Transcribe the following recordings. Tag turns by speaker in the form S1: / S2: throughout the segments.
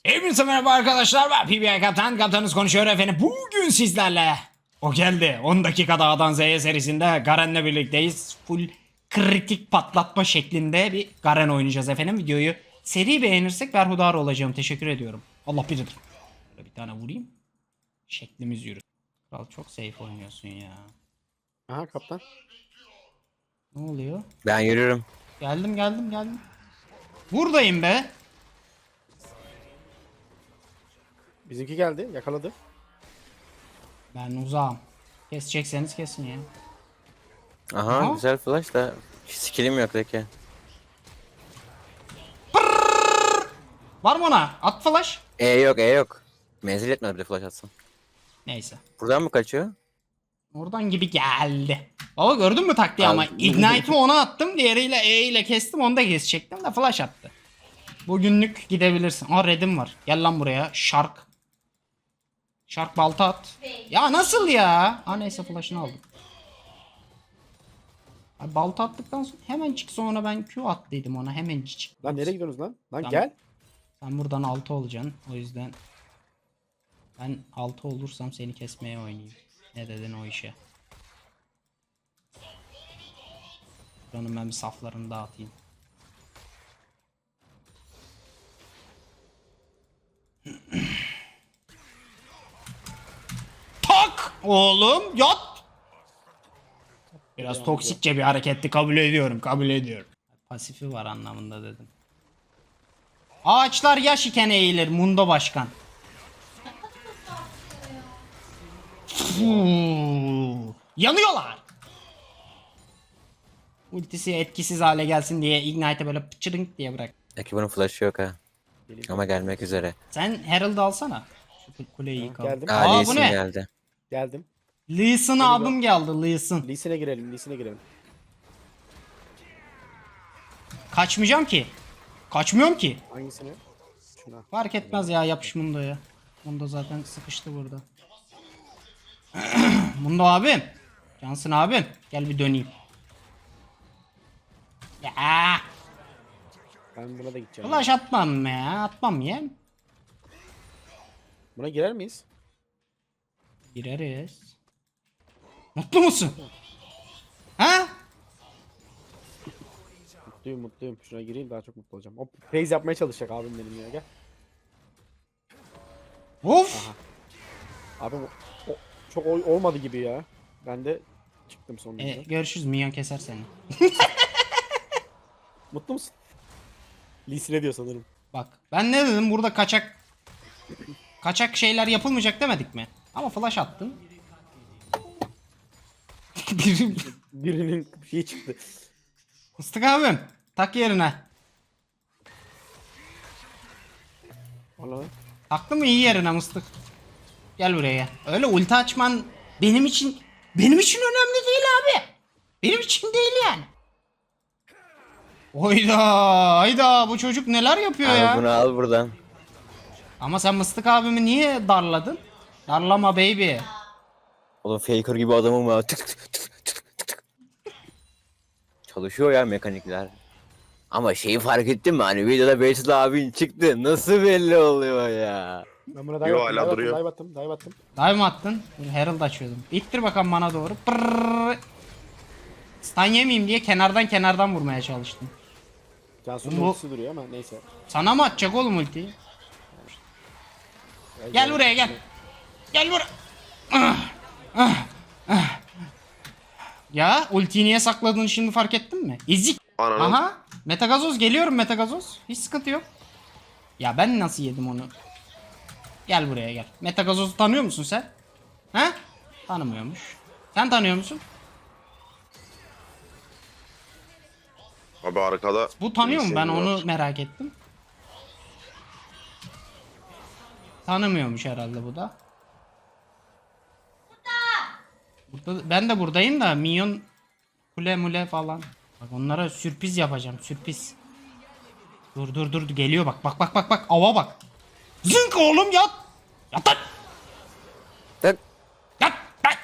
S1: Hepinize merhaba arkadaşlar, ben PBA Kaptan. Kaptanınız konuşuyor efendim. Bugün sizlerle o geldi 10 dakikada A'dan Z'ye serisinde Garen'le birlikteyiz. Full kritik patlatma şeklinde bir Garen oynayacağız efendim. Videoyu seri beğenirsek berhudar olacağım. Teşekkür ediyorum. Allah bilir. Böyle bir tane vurayım. Şeklimiz yürü. Kral çok safe oynuyorsun ya.
S2: Aha kaptan.
S1: Ne oluyor?
S3: Ben yürürüm.
S1: Geldim. Buradayım be.
S2: Bizimki geldi. Yakaladı.
S1: Ben uzağım. Kesecekseniz kesin ya.
S3: Aha,
S1: Aha.
S3: güzel flash da skillim yok peki.
S1: Var mı ona? At flash.
S3: E yok. Menzil etmedi bir de flash atsın.
S1: Neyse.
S3: Buradan mı kaçıyor?
S1: Oradan gibi geldi. Baba gördün mü taktiği ama
S3: Aldım.
S1: Ignite'ımı ona attım. Diğeriyle E ile kestim. Onu da kesecektim de flash attı. Bugünlük gidebilirsin. Aa red'im var. Gel lan buraya. Shark. Shark balta at. Ya nasıl ya? Aa neyse flash'ını aldım. Abi balta attıktan sonra hemen çık, sonra ben Q attıydım ona, hemen çık.
S2: Lan nereye gidiyorsunuz lan? Lan
S1: Tamam.
S2: gel.
S1: Sen buradan 6 olacaksın. O yüzden ben 6 olursam seni kesmeye oynayayım. Ne dedin o işe? Buranın ben bir saflarını dağıtayım. Tak! Oğlum yat! Biraz toksikçe bir hareketti, kabul ediyorum. Pasifi var anlamında dedim. Ağaçlar yaş iken eğilir Mundo Başkan. Yanıyorlar. Ultisi etkisiz hale gelsin diye Ignite'e böyle pıçırınk diye bırak.
S3: Peki bunun flash'ı yok ha. Ama gelmek üzere.
S1: Sen Herald alsana. Şu kuleyi yıkalım.
S2: Geldim.
S1: Aa,
S3: Lee
S1: bu
S3: Sin
S1: ne?
S3: geldi.
S2: Geldim.
S1: Lee Sin abim geldi, Lee Sin.
S2: Lee Sin'e girelim. Lee Sin'e girelim.
S1: Kaçmayacağım ki. Kaçmıyorum ki.
S2: Hangisine? Şuna.
S1: Fark etmez ya, yapış Mundo'ya. Mundo zaten sıkıştı burada. Mundo abim. Cansın abim. Gel bir döneyim. Ya.
S2: Ben buna da gideceğim.
S1: Flash atmam ya. Atmam ya.
S2: Buna girer miyiz?
S1: Gireriz. Mutlu musun? Ha?
S2: Mutluyum. Şuna gireyim daha çok mutlu olacağım. O phase yapmaya çalışacak abim benim ya. Gel.
S1: Of.
S2: Abim çok olmadı gibi ya. Ben de çıktım sonunda.
S1: Görüşürüz. Minyon keser seni.
S2: Mutlu musun? Lee Sin'e diyor sanırım.
S1: Bak ben ne dedim, burada kaçak şeyler yapılmayacak demedik mi? Ama flash attın. Birim.
S2: Birinin şeyi çıktı.
S1: Mıstık abim. Tak yerine.
S2: Valla.
S1: Taktın mı iyi yerine mıstık. Gel buraya gel. Öyle ulti açman benim için önemli değil abi. Benim için değil yani. Hayda bu çocuk neler yapıyor
S3: Abi
S1: ya.
S3: bunu al buradan.
S1: Ama sen Mıstık abimi niye darladın? Darlama baby.
S3: Oğlum faker gibi adamım ya. Tık. Çalışıyor ya mekanikler. Ama şeyi fark ettin mi? Hani videoda Beytullah abin çıktı. Nasıl belli oluyor ya?
S2: Ben buna
S4: Yo, hala duruyor.
S2: dive attım.
S1: Dive mi attın? Dur, Herald açıyordum. İttir bakalım bana doğru. Pırrrr. Stun yemeyeyim diye kenardan vurmaya çalıştım.
S2: Cansu'nun
S1: Bu-
S2: ultisi duruyor ama neyse.
S1: Sana mı atacak oğlum ultiyi? Gel buraya gel. Gel buraya. Ya ultiyi niye sakladığını şimdi fark ettin mi? Ezik.
S4: Ananı.
S1: Aha. Metagazoz geliyorum, Metagazoz. Hiç sıkıntı yok. Ya ben nasıl yedim onu? Gel buraya gel. Metagazoz'u tanıyor musun sen? He? Tanımıyormuş. Sen tanıyor musun?
S4: Abi arkada.
S1: Bu tanıyor mu? Ben
S4: bilgisayarı var.
S1: onu merak ettim. Tanımıyormuş herhalde bu da. Burada, ben de buradayım da minyon kule mule falan. Bak onlara sürpriz yapacağım, sürpriz. Dur geliyor bak ava bak. Zınk oğlum yat. Yat lan.
S3: Tak.
S1: Yat lan.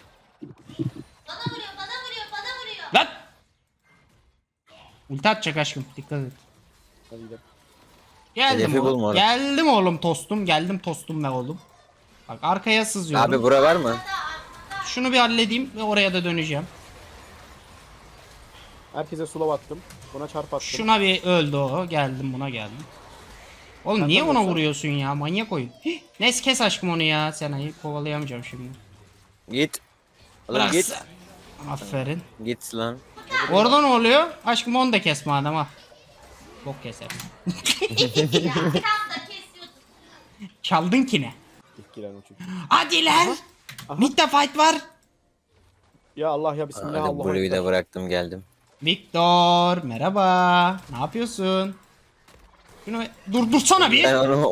S5: Bana vuruyor.
S1: Lan. Ulti atacak aşkım, dikkat et.
S2: Hadi gidelim.
S1: Geldim
S3: Hedefi
S1: oğlum.
S3: bulma.
S1: Geldim oğlum tostum. Geldim tostum be oğlum. Bak arkaya sızıyorum.
S3: Abi bura var mı?
S1: Şunu bir halledeyim ve oraya da döneceğim.
S2: Herkese slow attım. Buna çarp attım.
S1: Şuna bir öldü o. Geldim buna geldim. Oğlum
S2: Sen
S1: niye
S2: de
S1: ona
S2: vursan.
S1: vuruyorsun ya? Manyak oyun. Hih, Neyse kes aşkım onu ya. Sena'yı kovalayamayacağım şimdi.
S3: Git. Oğlum
S1: Bırak
S3: git.
S1: sen. Aferin.
S3: Git lan.
S1: Orada ne oluyor? Aşkım onu da kes madem ha. Bok keserim.
S5: Ya tam da kesiyordun.
S1: Çaldın ki ne?
S2: İlk giren o çünkü.
S1: Hadi lan. Mid'de fight var.
S2: Ya Allah ya bismillah
S3: Hadi
S2: Allah'a
S3: burayı da
S2: ekber.
S3: bıraktım geldim.
S1: Victor merhaba. Ne yapıyorsun? Şunu durdursana bir.
S3: Ben onu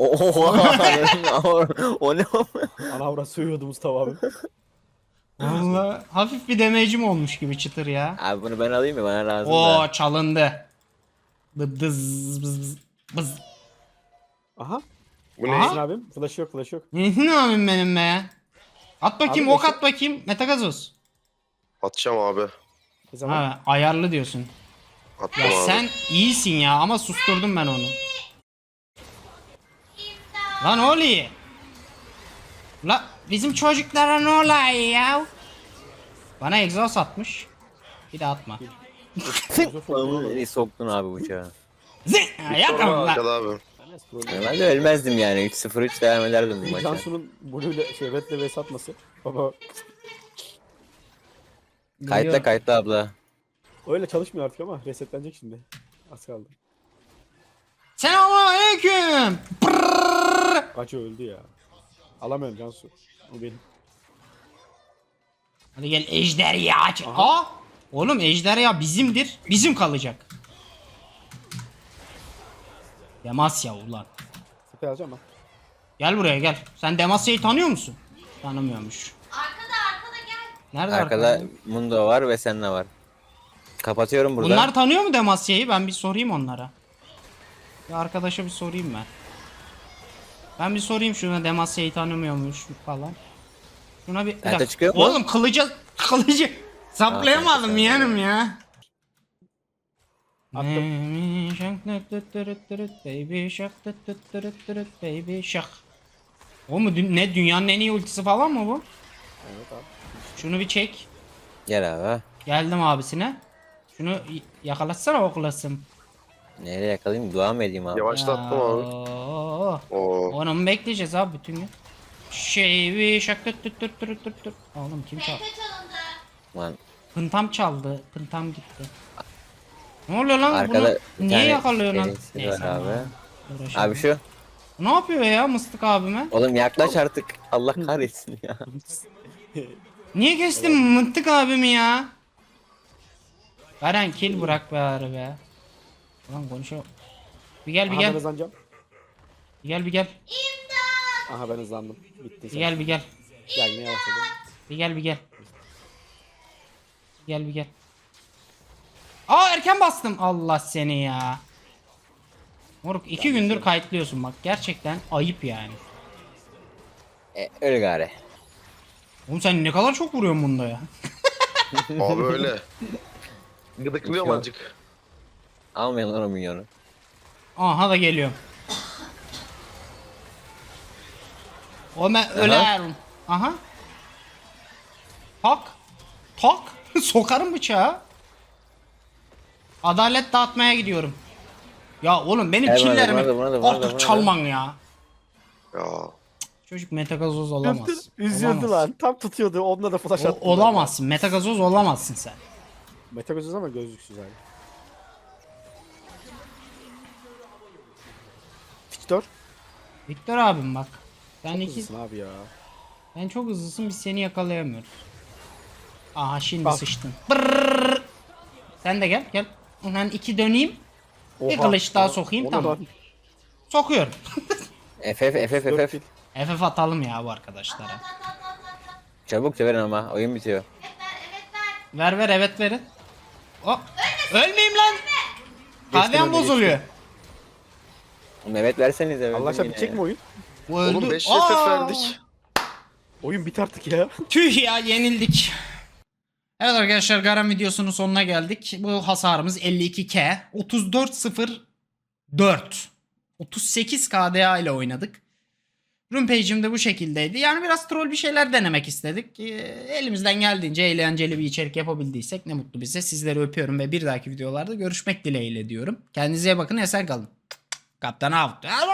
S3: o ne o?
S2: Ana avra sövüyordu Mustafa abi.
S1: Vallahi hafif bir damage'im olmuş gibi çıtır ya.
S3: Abi bunu ben alayım mı? Bana lazım
S1: Oo
S3: da.
S1: çalındı. Bıdız bız bız.
S2: Aha.
S4: Bu
S1: Aha.
S4: ne?
S2: Sizin abim. Flash yok flash yok.
S1: Ne abim benim be. At bakayım
S2: Abi
S1: ok at bakayım. Metagazoz.
S4: Atacağım abi.
S2: Ne zaman?
S1: Ha ayarlı diyorsun.
S4: Attım
S1: Ya
S4: abi.
S1: sen iyisin ya ama susturdum ben onu. Lan oluyor. La bizim çocuklara ne oluyor ya? Bana egzoz atmış. Bir de atma.
S3: Onu nereye soktun abi bıçağı?
S1: Zing! Yakamam lan.
S4: Arkada abi.
S3: Ben de ölmezdim yani. 3-0-3 devam ederdim bu maça.
S2: Cansu'nun Blue'yle şey Red'le vs atması. Baba
S3: Kayıtla kayıtla abla.
S2: öyle çalışmıyor artık ama resetlenecek şimdi. Az kaldı.
S1: Selamünaleyküm.
S2: Kaçı öldü ya. Alamıyorum Cansu. O benim.
S1: Hadi gel ejderha aç. Aa! Oğlum ejderha bizimdir. Bizim kalacak. Demasya ulan.
S2: Sepe alacağım ben.
S1: Gel buraya gel. Sen Demasya'yı tanıyor musun? Tanımıyormuş.
S5: Arkada gel.
S1: Nerede
S3: Arkada Mundo var ve Senna var. Kapatıyorum burada.
S1: Bunlar tanıyor mu Demasya'yı? Ben bir sorayım onlara. Bir arkadaşa bir sorayım ben. Ben bir sorayım şuna Demasya'yı tanımıyormuş falan. Şuna bir
S3: Nerede
S1: dakika.
S3: çıkıyor mu?
S1: Oğlum kılıcı saplayamadım
S3: tamam.
S1: yeğenim ya.
S2: Attım.
S1: Baby shark baby shark. O mu ne dünyanın en iyi ultisi falan mı bu?
S2: Evet abi.
S1: Şunu bir çek.
S3: Gel abi.
S1: Geldim abisine. Şunu yakalatsana oklasın.
S3: Nereye yakalayayım? Dua mı edeyim abi?
S4: Yavaşlattım abi.
S1: Oo.
S4: Oo.
S1: Onu mu bekleyeceğiz abi bütün gün? Bir şak tut. Oğlum kim çaldı?
S5: Tepe çalındı.
S3: Lan
S1: Pıntam çaldı. Pıntam gitti. Ne oluyor lan
S3: arkada
S1: bunu? Niye
S3: tane
S1: yakalıyor lan?
S3: birisi
S1: Neyse
S3: var abi.
S1: uğraşamam.
S3: Abi şu.
S1: Ne yapıyor ya mıstık abime?
S3: Oğlum yaklaş artık. Allah kahretsin ya.
S1: Niye kestin mıntık abimi ya? Garen kill bırak be abi be. Ulan konuşuyor. Bir gel bir
S2: Aha ben
S1: gel.
S2: hızlanacağım.
S1: Bir gel bir gel.
S2: Aha ben hızlandım. Bitti
S1: Bir
S2: sen.
S1: gel bir gel.
S2: Gel yine yavaşladım.
S1: Bir gel bir gel. Bir gel bir gel. Aa erken bastım. Allah seni ya. Moruk 2 gündür kayıtlıyorsun bak. Gerçekten ayıp yani.
S3: Öyle gari.
S1: Oğlum sen ne kadar çok vuruyorsun bunda ya.
S4: Abi öyle. Gıdıklıyorum
S3: Yok.
S4: azıcık.
S3: Almayın lan o milyonu.
S1: Aha da geliyorum. O ben ölerim. Aha. Tak. Tak. Sokarım bıçağı. Adalet dağıtmaya gidiyorum. Ya oğlum benim
S3: Gel buna da,
S1: killerimi
S3: buna da, buna da, buna da, buna
S1: artık
S3: da.
S1: çalman ya.
S4: Ya.
S1: Çocuk metagazoz olamaz.
S2: Üzüldü
S1: Olamaz.
S2: lan. Tam tutuyordu. Onunla da flash attım.
S1: Olamazsın. Metagazoz olamazsın sen.
S2: Meta gözüz ama gözlüksüz abi. Victor.
S1: Victor abim bak. Sen
S2: Çok
S1: iki,
S2: hızlısın abi ya.
S1: sen çok hızlısın biz seni yakalayamıyoruz. Aha şimdi
S2: Bak.
S1: sıçtın. Brrrr. Sen de gel gel. Ben iki döneyim. Bir kılıç daha sokayım,
S2: Ona
S1: tamam.
S2: da
S1: Sokuyorum.
S2: dört
S3: FF.
S2: kill.
S1: FF atalım ya bu arkadaşlara.
S3: Çabuk verin ama oyun bitiyor.
S1: Ver ver evet verin. O. Ölmeyeyim lan. Kahvem
S2: önüne,
S1: bozuluyor.
S3: Mehmet versenize. öldüm
S2: Allah aşkına
S3: yine
S2: bitecek
S3: ya.
S2: mi oyun?
S1: Bu öldü.
S4: Oğlum 5
S1: Aa!
S4: FF verdik.
S2: Oyun bit artık ya.
S1: Tüh ya yenildik. Evet arkadaşlar Garen videosunun sonuna geldik. Bu hasarımız 52k. 34.04. 38 KDA ile oynadık. Room page'im de bu şekildeydi. Yani biraz troll bir şeyler denemek istedik. Elimizden geldiğince eğlenceli bir içerik yapabildiysek ne mutlu bize. Sizleri öpüyorum ve bir dahaki videolarda görüşmek dileğiyle diyorum. Kendinize iyi bakın, esen kalın. Kaptan out.